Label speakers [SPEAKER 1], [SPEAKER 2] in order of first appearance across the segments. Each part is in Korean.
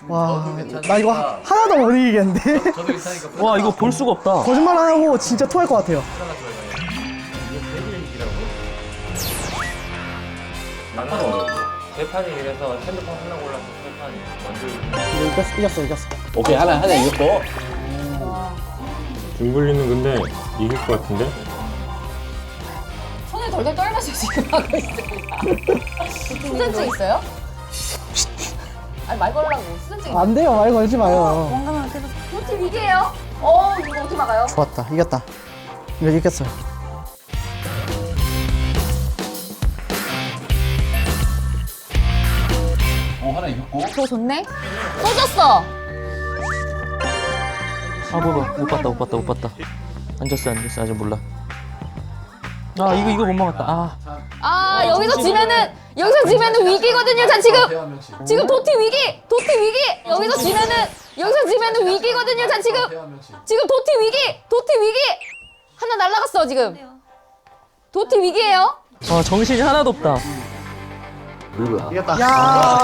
[SPEAKER 1] 와, 나 이거 하나도 못 이기겠는데?
[SPEAKER 2] 저도 괜찮으니까.
[SPEAKER 3] 와 이거 볼 수가 없다.
[SPEAKER 1] 거짓말 안 하고 진짜 토할 것 같아요.
[SPEAKER 2] 제 판이 이래서 핸드폰 하나 골라서 세 판 먼저.
[SPEAKER 1] 이겼어.
[SPEAKER 4] 오케이, 하나 이겼고.
[SPEAKER 5] 김블리는 근데 이길 것 같은데?
[SPEAKER 6] 손을 덜덜 떨면서 지금 하고 있습니다. 수전증 있어요? 아니 말 걸라고 수전증 있어요?
[SPEAKER 1] 안 돼요, 말 걸지 마요.
[SPEAKER 6] 건강한 계속 도티 위기예요? 이거 어떻게 막아요?
[SPEAKER 1] 좋았다, 이겼다. 이거 이겼어요.
[SPEAKER 4] 하나 이겼고.
[SPEAKER 6] 그거 좋네? 또 졌어!
[SPEAKER 3] 아 못 봤다. 안 졌어 아직 몰라. 아 이거 못 막았다.
[SPEAKER 6] 여기서 지면은 위기거든요. 자 지금 도티 위기! 여기서 지면은 위기거든요. 자 지금 도티 위기! 하나 날라갔어 지금. 도티 위기예요?
[SPEAKER 3] 아 정신이 하나도 없다.
[SPEAKER 1] 이겼다. 야,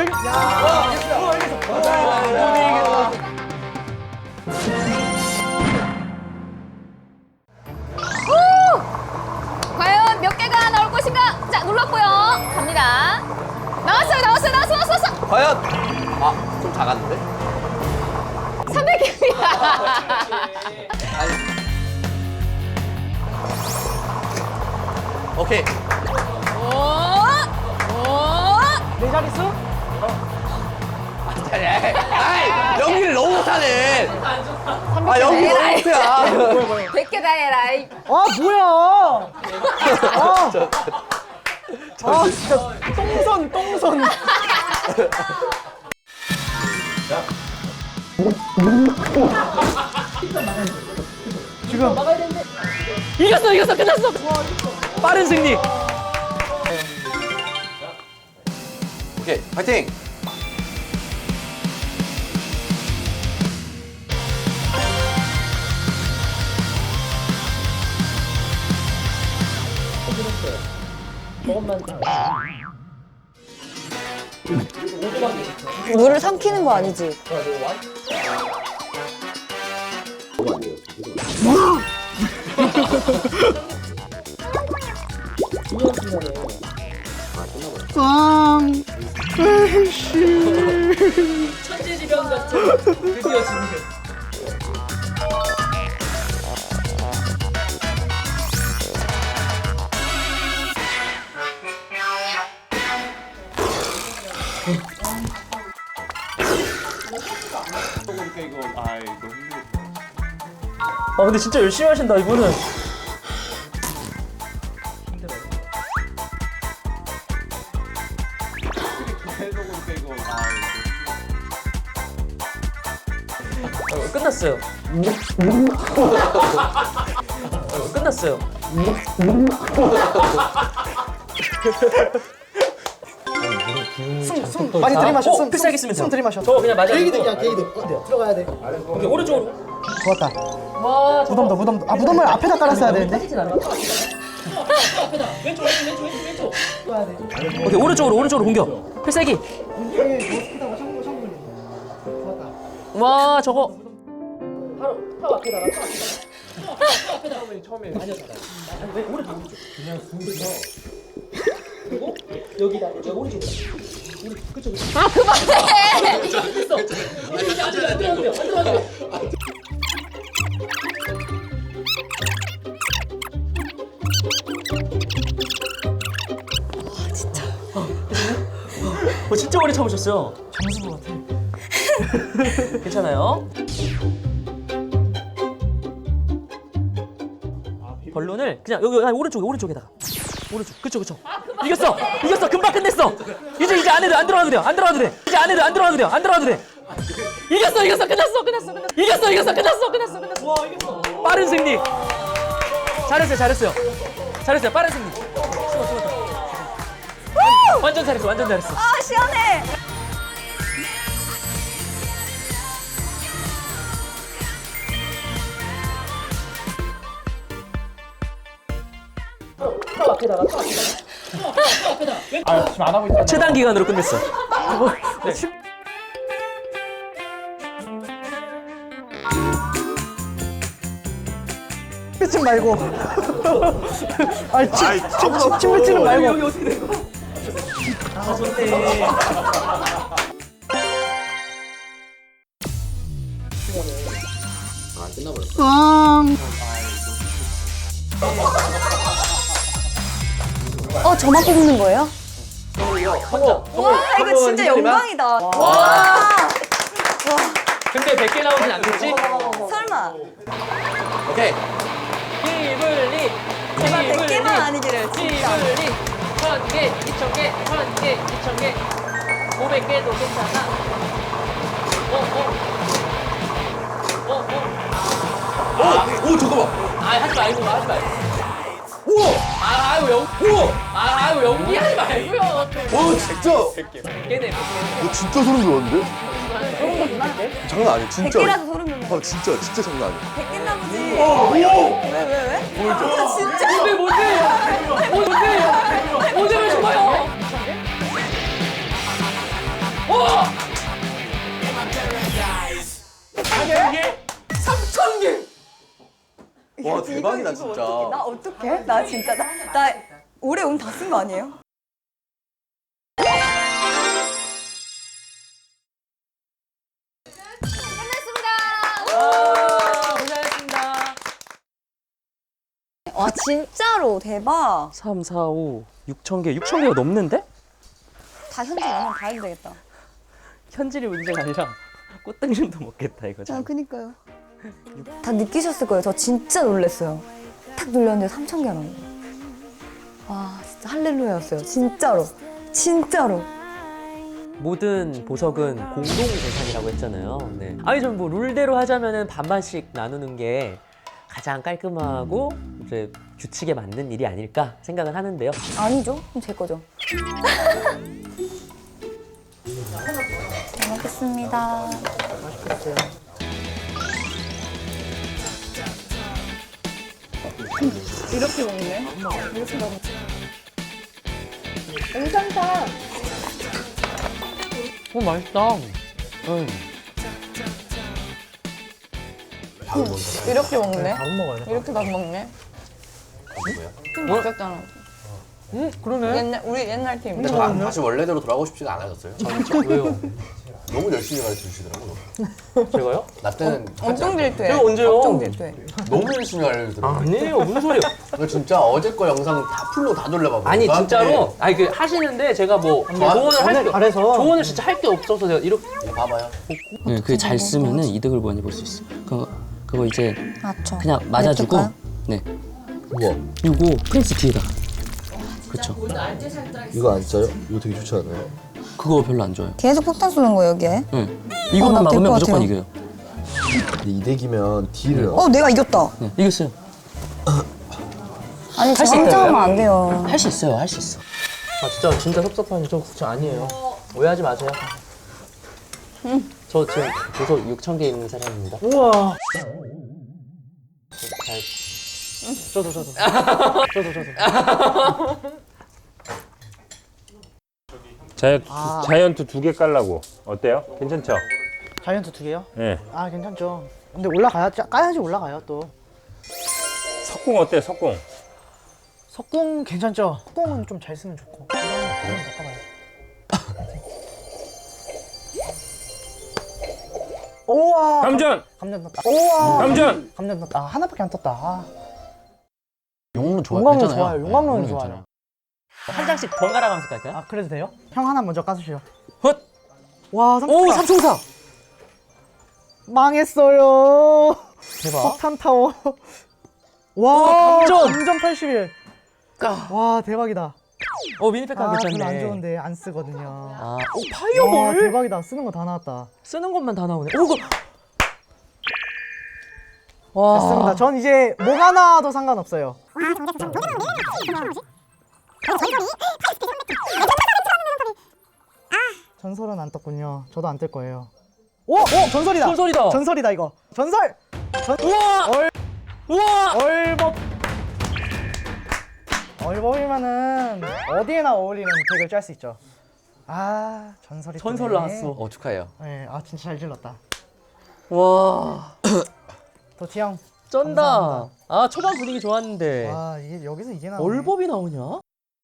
[SPEAKER 6] 과연 몇 개가 나올 것인가? 자 눌렀고요. 갑니다. 나왔어.
[SPEAKER 4] 과연! 좀 작았는데?
[SPEAKER 6] 300개입니다.
[SPEAKER 4] 오케이.
[SPEAKER 1] 내 자릿수?
[SPEAKER 4] 아이, 연기를 너무 못하네. 연기 너무 못해야.
[SPEAKER 6] 100개 다 해라.
[SPEAKER 1] 아, 뭐야! 진짜 똥손. 지금
[SPEAKER 3] 이겼어 끝났어. 빠른 승리.
[SPEAKER 4] 오케이, 파이팅!
[SPEAKER 6] 물을 삼키는 거 아니지?
[SPEAKER 3] 천재지변 같은 드디어 지는. 아 근데 진짜 열심히 하신다 이분은. 끝났어요. 끝났어요.
[SPEAKER 1] 숨 많이 들이마셔. 숨
[SPEAKER 3] 필살기 쓰면 돼요.
[SPEAKER 1] 숨 들이마셔.
[SPEAKER 3] 저 그냥 맞아.
[SPEAKER 1] 게이드 들어가야 돼.
[SPEAKER 3] 오케이, 오른쪽으로.
[SPEAKER 1] 좋았다.
[SPEAKER 3] 와
[SPEAKER 1] 무덤도. 아, 무덤을 앞에다 깔았어야 되는데.
[SPEAKER 3] 왼쪽. 오케이, 오른쪽으로 공격. 필살기. 와 저거. 바로 앞에다가. 처음에 아니었잖아. 왜 오른쪽. 그냥 숨겨서. 그리고 여기다 오른쪽. 그쪽.
[SPEAKER 6] 아 그만해!
[SPEAKER 3] 됐어. 안 들어가도 돼. 진짜 오래 참으셨어요.
[SPEAKER 1] 장수 같아.
[SPEAKER 3] 괜찮아요. 벌룬을 그냥 여기 오른쪽에다가. 오른쪽. 그쵸. 이겼어. 금방 끝냈어. 이제 안 들어가도 돼요. 이제 안 들어가도 돼. 이겼어. 끝났어. 와 이겼어. 빠른 승리. 잘했어요. 빠른 승리. 완전 잘했어.
[SPEAKER 6] 아 시원해!
[SPEAKER 3] 최단 기간으로 끝냈어.
[SPEAKER 1] 뱉지 말고. 아니, 침 뱉지는 말고.
[SPEAKER 3] 여기 어떻게 된 거야? 아, 좋네.
[SPEAKER 6] 저만 뽑는 거예요?
[SPEAKER 3] 와,
[SPEAKER 6] 이거 진짜 영광이다. 와.
[SPEAKER 3] 근데 100개 나오진 않겠지?
[SPEAKER 6] 설마.
[SPEAKER 4] 오케이.
[SPEAKER 3] 기블리.
[SPEAKER 6] 제발 100개만 아니기를 진짜.
[SPEAKER 3] 기블리. 1000개, 2000개, 1000개, 2000개. 500개도 괜찮아.
[SPEAKER 4] 오 잠깐만.
[SPEAKER 3] 하지 말고, 하지 말고.
[SPEAKER 4] 우와.
[SPEAKER 3] 아이고,
[SPEAKER 4] 우와.
[SPEAKER 3] 아이고, 연기하지 말고요.
[SPEAKER 4] 와 진짜.
[SPEAKER 3] 100개네, 100개.
[SPEAKER 4] 진짜 소름 돋았는데? 장난 아니야 진짜.
[SPEAKER 6] 100개라도 소름 돋는.
[SPEAKER 4] 진짜 장난 아니야.
[SPEAKER 6] 100개 나머지. 왜?
[SPEAKER 4] 뭘죠?
[SPEAKER 6] 진짜.
[SPEAKER 3] 뭔데 왜 좋아요? 와! 3,000개!
[SPEAKER 4] 와 대박이다 진짜.
[SPEAKER 6] 나 어떡해? 나 진짜 나 올해 운 다 쓴 거 아니에요?
[SPEAKER 3] 고생하셨습니다.
[SPEAKER 6] 와 진짜로 대박.
[SPEAKER 3] 3, 4, 5, 6,000개. 6,000개가 넘는데?
[SPEAKER 6] 다 현지 라면 다 해도 되겠다.
[SPEAKER 3] 현질이 문제가 아니라 꽃등심도 먹겠다 이거.
[SPEAKER 6] 아 그니까요. 다 느끼셨을 거예요. 저 진짜 놀랐어요. 탁 눌렸는데 3,000개 나온 거예요. 와 진짜 할렐루야였어요. 진짜로.
[SPEAKER 3] 모든 보석은 공동 재산이라고 했잖아요. 네. 아니 좀 뭐 룰대로 하자면은 반반씩 나누는 게 가장 깔끔하고 이제 규칙에 맞는 일이 아닐까 생각은 하는데요.
[SPEAKER 6] 아니죠? 그럼 제 거죠. 잘 먹겠습니다. 이렇게 먹네. 이렇게 먹네. 괜찮다.
[SPEAKER 3] 맛있다.
[SPEAKER 6] 이렇게 먹네.
[SPEAKER 1] 안 먹어요.
[SPEAKER 6] 이렇게 막 먹네. 팀
[SPEAKER 3] 뭐야?
[SPEAKER 6] 바뀌었잖아.
[SPEAKER 3] 그러네.
[SPEAKER 6] 우리 옛날 팀.
[SPEAKER 4] 근데 다시 원래대로 돌아가고 싶지가 않아졌어요.
[SPEAKER 3] 왜요?
[SPEAKER 4] 너무 열심히 가르쳐 주시더라고.
[SPEAKER 3] 제가요?
[SPEAKER 4] 나 때는
[SPEAKER 6] 엄청 질투해.
[SPEAKER 3] 제가 언제요?
[SPEAKER 6] 엄청 질투해.
[SPEAKER 4] 너무 열심히 알려주더라고.
[SPEAKER 3] 아니에요. 무슨 소리야?
[SPEAKER 4] 나 진짜 어제 거 영상 다 풀로 다 돌려봐봐.
[SPEAKER 3] 아니 진짜로 아니 그 하시는데 제가 뭐 조언을 할 게
[SPEAKER 1] 잘해서.
[SPEAKER 3] 조언을 진짜 할 게 없어서 제가 이렇게
[SPEAKER 4] 봐봐요.
[SPEAKER 3] 네, 그게 잘 쓰면은 이득을 많이 볼 수 있어. 그거 이제
[SPEAKER 6] 맞죠.
[SPEAKER 3] 그냥 맞아주고 네.
[SPEAKER 4] 우와.
[SPEAKER 3] 이거 프린스 뒤에다가. 그렇죠.
[SPEAKER 4] 이거 안 써요? 이거 되게 좋지 않아요?
[SPEAKER 3] 그거 별로 안 좋아요.
[SPEAKER 6] 계속 폭탄 쏘는 거예요, 여기에?
[SPEAKER 3] 네. 이거만
[SPEAKER 6] 나될
[SPEAKER 3] 막으면
[SPEAKER 6] 것
[SPEAKER 3] 무조건
[SPEAKER 6] 같아요.
[SPEAKER 3] 이겨요.
[SPEAKER 4] 근데 이 덱이면 딜을
[SPEAKER 6] 내가 이겼다.
[SPEAKER 3] 네, 이겼어요.
[SPEAKER 6] 아니,
[SPEAKER 3] 할수
[SPEAKER 6] 저 혼자
[SPEAKER 3] 있다고요?
[SPEAKER 6] 하면 안 돼요.
[SPEAKER 3] 할 수 있어요. 할 수 있어. 아 진짜 섭섭한 저 국자 아니에요. 오해하지 마세요. 저 지금 보석 6,000개 있는 사람입니다.
[SPEAKER 1] 우와.
[SPEAKER 3] 잘
[SPEAKER 1] 저도.
[SPEAKER 5] 자이언트 2개 깔라고. 어때요? 괜찮죠?
[SPEAKER 1] 자이언트 2개요?
[SPEAKER 5] 예.
[SPEAKER 1] 아, 괜찮죠. 근데 까야지 올라가요, 또.
[SPEAKER 5] 석궁 어때? 석궁.
[SPEAKER 1] 석궁 괜찮죠? 석궁은 좀 잘 쓰면 좋고. 한번 바꿔봐요. 우와.
[SPEAKER 5] 감전.
[SPEAKER 1] 감전 떴다. 우와.
[SPEAKER 5] 감전.
[SPEAKER 1] 감전 떴다. 아, 하나밖에 안 떴다. 아.
[SPEAKER 4] 용로
[SPEAKER 1] 용광로 좋아요. 용광로는 좋아요.
[SPEAKER 3] 한 장씩 번갈아 가면서 갈까요?
[SPEAKER 1] 아, 그래도 돼요? 형 하나 먼저 까주시오.
[SPEAKER 3] 헛!
[SPEAKER 1] 와,
[SPEAKER 3] 오,
[SPEAKER 1] 삼총사.
[SPEAKER 3] 삼총사!
[SPEAKER 1] 망했어요.
[SPEAKER 3] 대박.
[SPEAKER 1] 폭탄 타워. 와,
[SPEAKER 3] 감전.
[SPEAKER 1] 감전 81. 와, 대박이다.
[SPEAKER 3] 미니팩
[SPEAKER 1] 아,
[SPEAKER 3] 괜찮네.
[SPEAKER 1] 별로 안 좋은데 안 쓰거든요.
[SPEAKER 3] 아, 오,
[SPEAKER 1] 와,
[SPEAKER 3] 파이어볼!
[SPEAKER 1] 대박이다. 쓰는 거 다 나왔다.
[SPEAKER 3] 쓰는 것만 다 나오네. 오, 이거. 와.
[SPEAKER 1] 됐습니다. 전 이제 뭐가 나와도 상관없어요. 전설은 안 떴군요. 저도 안 뜰 거예요. 오! 전설이다!
[SPEAKER 3] 전설이다!
[SPEAKER 1] 전설이다, 이거. 전설!
[SPEAKER 3] 우와! 우와!
[SPEAKER 1] 얼법! 얼법이면은 어디에나 어울리는 덱을 짤 수 있죠. 아, 전설이
[SPEAKER 3] 전설
[SPEAKER 1] 뜨네.
[SPEAKER 3] 나왔어.
[SPEAKER 4] 축하해요.
[SPEAKER 1] 네, 아, 진짜 잘 질렀다.
[SPEAKER 3] 와.
[SPEAKER 1] 도티 형,
[SPEAKER 3] 쩐다.
[SPEAKER 1] 감사합니다.
[SPEAKER 3] 아 초반 분위기 좋았는데
[SPEAKER 1] 와 이게 여기서 이게 나오네.
[SPEAKER 3] 얼법이 나오냐?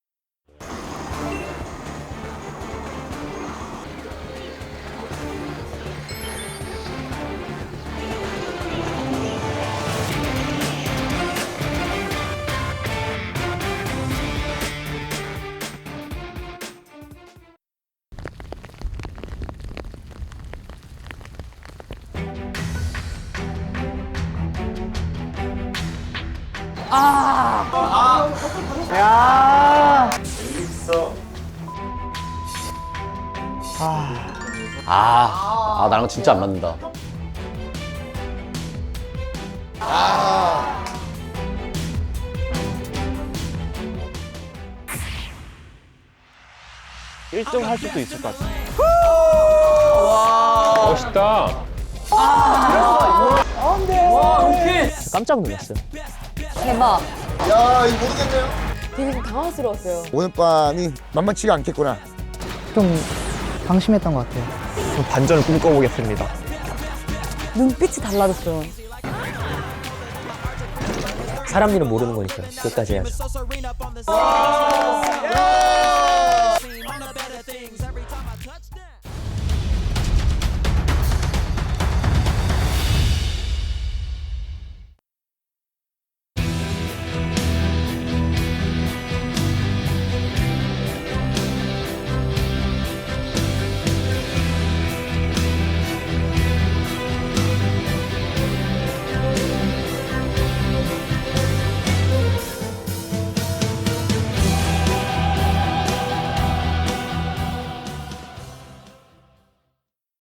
[SPEAKER 1] 야.
[SPEAKER 4] 나랑 진짜 안 맞는다.
[SPEAKER 5] 멋있다.
[SPEAKER 3] 깜짝 놀랐어요.
[SPEAKER 6] 대박.
[SPEAKER 7] 야, 이거 모르겠네요.
[SPEAKER 6] 되게 좀 당황스러웠어요.
[SPEAKER 7] 오늘 밤이 만만치가 않겠구나.
[SPEAKER 1] 좀 방심했던 것 같아요.
[SPEAKER 4] 반전을 꿈꿔보겠습니다.
[SPEAKER 6] 눈빛이 달라졌어요.
[SPEAKER 3] 사람 일은 모르는 거니까 끝까지 해야죠.